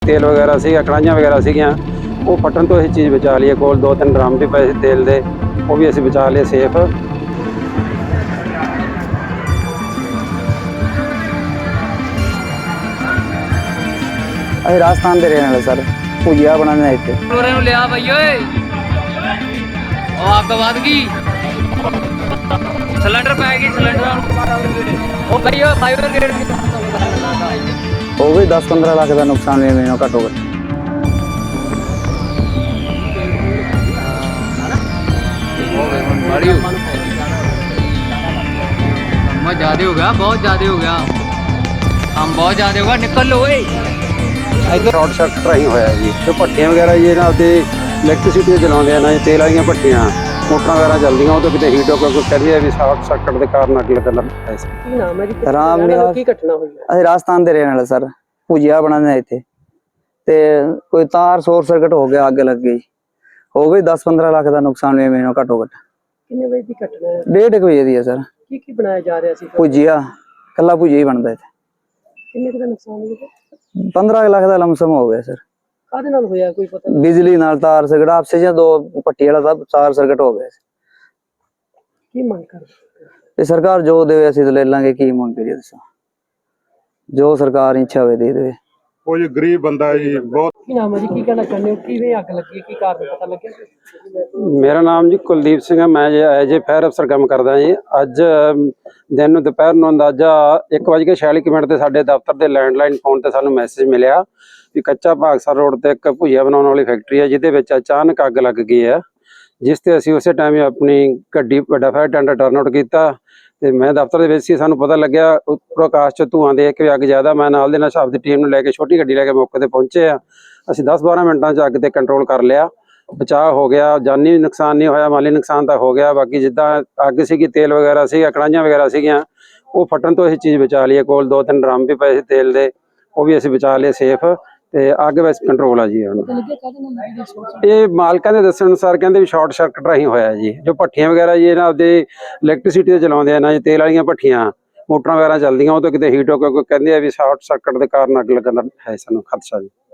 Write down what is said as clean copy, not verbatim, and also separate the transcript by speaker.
Speaker 1: तेल वगैरह सी कड़ाहियाँ वगैरह सीगियां वो फटन तो ये चीज़ बचा ली है। कोल 2-3 ड्रम भी पए तेल दे, वो भी असीं बचा लिए सेफ।
Speaker 2: ਅਸੀਂ ਰਾਜਸਥਾਨ ਦੇ ਰਹਿਣ ਵਾਲੇ ਸਰ, ਭੁਜੀਆ ਬਣਾਉਂਦੇ ਹਾਂ ਇੱਥੇ।
Speaker 3: ਟੋਰੇ ਨੂੰ ਲਿਆ ਬਈ ਓਏ, ਉਹ ਅੱਗ ਵੱਧ ਗਈ, ਸਿਲੰਡਰ ਪੈ ਗਈ ਸਿਲੰਡਰ। ਉਹ ਬਈ ਉਹ ਫਾਇਰ ਬ੍ਰਿਗੇਡ
Speaker 2: ਹੋ ਗਈ 10-15 ਲੱਖ ਦਾ ਨੁਕਸਾਨ ਵੀ ਮੈਨੂੰ ਘੱਟੋ ਘੱਟ।
Speaker 3: बहुत ज्यादा हो गया, बहुत ज्यादा हो गया, हम बहुत ज्यादा होगा। निकल लो ओए।
Speaker 1: शॉर्ट सर्किट राही होया जी। जो भट्टियां वगैरह जी ना ते इलैक्ट्रिसिटी चलाਉਂਦੇ ਆ ਨਾ, तेल वाली भट्टियां मोटर वगैरह चलदियां, ਉਹ ਤੋਂ ਕਿਤੇ ਹੀਟ ਹੋ ਕੇ ਕੋਈ ਕਹਿੰਦੇ ਆ ਵੀ ਸ਼ਾਰਟ ਸਰਕਟ ਦੇ ਕਾਰਨ ਅੱਗ ਲੱਗਣ ਦਾ
Speaker 4: ਕੀ ਨਾਮ ਹੈ ਜੀ?
Speaker 2: ਰਾਮ ਨਿਵਾਸ।
Speaker 4: ਕੀ ਘਟਨਾ ਹੋਈ ਹੈ?
Speaker 2: ਅਸੀਂ ਰਾਜਸਥਾਨ ਦੇ ਰਹਿਣ ਵਾਲੇ ਸਰ, ਭੁਜੀਆ ਬਣਾਉਂਦੇ ਹਾਂ ਇੱਥੇ। ਤੇ ਕੋਈ ਤਾਰ ਸ਼ੋਰਟ ਸਰਕਟ ਹੋ ਗਿਆ, ਅੱਗ ਲੱਗ ਗਈ। ਹੋ ਗਈ 10-15 ਲੱਖ ਦਾ ਨੁਕਸਾਨ ਵੀ ਮੈਨੂੰ ਘੱਟੋ ਘੱਟ।
Speaker 4: ਕਿੰਨੇ ਵਜੇ ਦੀ ਘਟਨਾ ਹੈ?
Speaker 2: 1:30 ਵਜੇ ਦੀ ਹੈ ਸਰ।
Speaker 4: ਕੀ ਬਣਾਇਆ ਜਾ ਰਿਹਾ ਸੀ?
Speaker 2: ਭੁਜੀਆ, ਕੱਲਾ ਭੁਜੀਆ ਹੀ ਬਣਦਾ ਇੱਥੇ।
Speaker 4: ਕਿੰਨੇ ਕੁ ਦਾ ਨੁਕਸਾਨ ਹੋਇਆ?
Speaker 2: 15 ਲੱਖ ਦਾ ਲਮਸਮ ਹੋ ਗਿਆ ਸਰ।
Speaker 4: ਕਾਹਦੇ ਨਾਲ ਹੋਇਆ ਕੋਈ ਪਤਾ ਨਹੀਂ?
Speaker 2: ਬਿਜਲੀ ਨਾਲ ਤਾਰ ਸਰਕਟ ਆਪਸੇ ਜਾਂ ਦੋ ਪੱਟੀ ਵਾਲਾ ਸਭ ਤਾਰ ਸਰਕਟ ਹੋ ਗਿਆ।
Speaker 4: ਕੀ ਮੰਗ ਕਰ?
Speaker 2: ਤੇ ਸਰਕਾਰ ਜੋ ਦੇਵੇ ਅਸੀਂ ਤਾਂ ਲੈ ਲਾਂਗੇ, ਕੀ ਮੰਗ ਕਰੀਏ ਦੱਸੋ। ਜੋ ਸਰਕਾਰ ਇੱਛਾ ਹੋਵੇ ਦੇ ਦੇਵੇ।
Speaker 5: ਉਹ ਜੀ ਗਰੀਬ ਬੰਦਾ ਜੀ ਬਹੁਤ।
Speaker 4: ਕੀ ਨਾਮ ਹੈ ਜੀ? ਕੀ ਕਹਿਣਾ ਚਾਹੁੰਦੇ ਹੋ? ਕਿਵੇਂ ਅੱਗ ਲੱਗੀ? ਕੀ ਕਾਰਨ ਪਤਾ ਲੱਗਿਆ?
Speaker 1: मेरा नाम जी कुलदीप सिंह है। मैं जे एज ए फायर अफसर काम करदा जी। अज दिन ਨੂੰ ਦੁਪਹਿਰ ਨੂੰ ਅੰਦਾਜ਼ਾ 1:46 ਤੇ ਸਾਡੇ ਦਫ਼ਤਰ ਦੇ ਲੈਂਡਲਾਈਨ ਫੋਨ ਤੇ ਸਾਨੂੰ ਮੈਸੇਜ ਮਿਲਿਆ ਵੀ ਕੱਚਾ ਭਾਗਸਰ ਰੋਡ ਤੇ ਇੱਕ ਭੁਜੀਆ ਬਣਾਉਣ ਵਾਲੀ ਫੈਕਟਰੀ ਹੈ, ਜਿਹਦੇ ਵਿੱਚ ਅਚਾਨਕ ਅੱਗ ਲੱਗ ਗਈ ਹੈ। ਜਿਸ ਤੇ ਅਸੀਂ ਉਸੇ ਟਾਈਮ ਹੀ ਆਪਣੀ ਗੱਡੀ ਵੱਡਾ ਫਾਇਰ ਟੈਂਡਰ ਟਰਨ ਆਊਟ ਕੀਤਾ ਤੇ ਮੈਂ ਦਫ਼ਤਰ ਦੇ ਵਿੱਚ ਸੀ। ਸਾਨੂੰ ਪਤਾ ਲੱਗਿਆ ਉੱਪਰੋਂ ਆਕਾਸ਼ 'ਚ ਧੂੰਆਂ ਦੇਖ ਕੇ ਅੱਗ ਜ਼ਿਆਦਾ, ਮੈਂ ਨਾਲ ਦੇ ਨਾਲ ਆਪਦੀ ਟੀਮ ਨੂੰ ਲੈ ਕੇ ਛੋਟੀ ਗੱਡੀ ਲੈ ਕੇ ਮੌਕੇ ਤੇ ਪਹੁੰਚੇ ਆ। ਅਸੀਂ 10-12 ਮਿੰਟਾਂ 'ਚ ਅੱਗ ਤੇ ਕੰਟਰੋਲ ਕਰ ਲਿਆ, ਬਚਾਅ ਹੋ ਗਿਆ। ਜਾਨੀ ਨੁਕਸਾਨ ਨਹੀਂ ਹੋਇਆ, ਮਾਲੀ ਨੁਕਸਾਨ ਤਾਂ ਹੋ ਗਿਆ। ਬਾਕੀ ਜਿੱਦਾਂ ਅੱਗ ਸੀਗੀ, ਤੇਲ ਵਗੈਰਾ ਸੀਗਾ, ਕੜਾਹੀਆਂ ਵਗੈਰਾ ਸੀਗੀਆਂ, ਉਹ ਫਟਣ ਤੋਂ ਇਹ ਚੀਜ਼ ਬਚਾ ਲਈ ਹੈ। ਕੋਲ 2-3 ਡਰਮ ਵੀ ਪਏ ਸੀ ਤੇਲ ਦੇ, ਉਹ ਵੀ ਅਸੀਂ ਬਚਾ ਲਏ ਸੇਫ। ਤੇ ਅੱਗ ਵਿੱਚ ਕੰਟਰੋਲ ਆ ਜੀ ਹੁਣ। ਇਹ ਮਾਲਕਾਂ ਦੇ ਦੱਸਣ ਅਨੁਸਾਰ ਕਹਿੰਦੇ ਵੀ ਸ਼ਾਰਟ ਸਰਕਟ ਰਾਹੀਂ ਹੋਇਆ ਜੀ। ਜੋ ਭੱਠੀਆਂ ਵਗੈਰਾ ਜੀ ਨਾ ਆਪਦੇ ਇਲੈਕਟ੍ਰਿਸਿਟੀ ਤੇ ਚਲਾਉਂਦੇ ਆ ਨਾ, ਤੇਲ ਵਾਲੀਆਂ ਭੱਠੀਆਂ ਮੋਟਰਾਂ ਵਗੈਰਾ ਚੱਲਦੀਆਂ, ਉਹ ਤੋਂ ਕਿਤੇ ਹੀਟ ਹੋ ਕੇ ਕੋਈ ਕਹਿੰਦੇ ਆ ਵੀ ਸ਼ਾਰਟ ਸਰਕਟ ਦੇ ਕਾਰਨ ਅੱਗ ਲੱਗਣ ਦਾ ਹੈ ਸਾਨੂੰ ਖਦਸ਼ਾ ਜੀ।